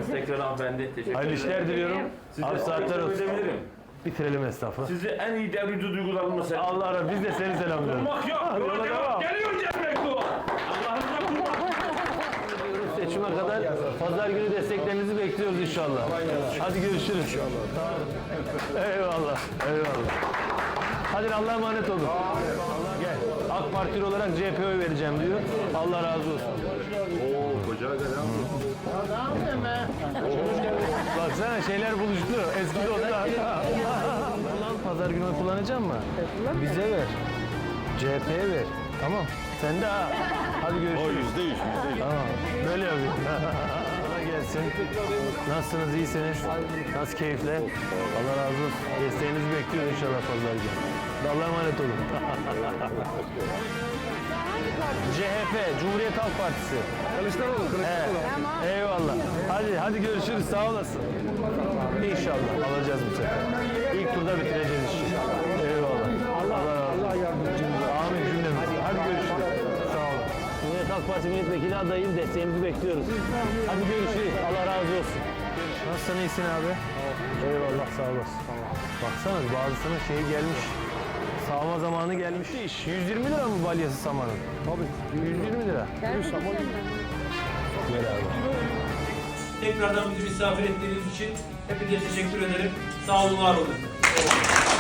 tekrar hanımefendi. Teşekkür Hayırlı ederim. işler diliyorum. Abi saatler olsun. Edebilirim. Bitirelim esnafı. Sizi en iyi devrimci duygularımla selam. Allah razı biz de seni selamlıyoruz. Olmak yok. Yola Yola devam. devam. Geliyor Cem Beklu. Allah'ınıza kurban. Seçime kadar pazar günü desteklerinizi bekliyoruz inşallah. Hadi görüşürüz. Eyvallah. Eyvallah. Hadi Allah'a emanet olun. Gel. AK Partili olarak CHP'ye oy vereceğim diyor. Allah razı olsun. Baksana şeyler buluştu. Eski dostlar. Ulan pazar günü oy kullanacak mı? Bize ver. CHP'ye ver. Tamam. Sen de ha. Hadi görüşürüz. O %100. Tamam. Böyle yapayım. Kolay gelsin. Nasılsınız? İyisiniz? Nasıl keyifle? Allah razı olsun. Desteğinizi bekliyoruz inşallah pazar günü. Allah'a emanet olun. CHP, Cumhuriyet Halk Partisi. Kılıçdaroğlu. Evet. Eyvallah. Hadi görüşürüz. Sağ olasın. İnşallah alacağız bu sefer. İlk turda bitireceğiz işi. Eyvallah. Allah yardımcımız. Amin cümlemiz. Hadi görüşürüz. Sağ olun. Cumhuriyet Halk Partisi milletvekili adayım. Desteğimizi bekliyoruz. Hadi görüşürüz. Allah razı olsun. Nasılsın? İyisin abi? Eyvallah. Sağ olasın. Baksana bazısının şeyi gelmiş. Sağma zamanı gelmiş. 120 lira mı balyası samanın? Tabii. 120 lira. Gel abi. Tekrardan bizi misafir ettiğiniz için hepinize teşekkür ederim. Sağ olun, var olun.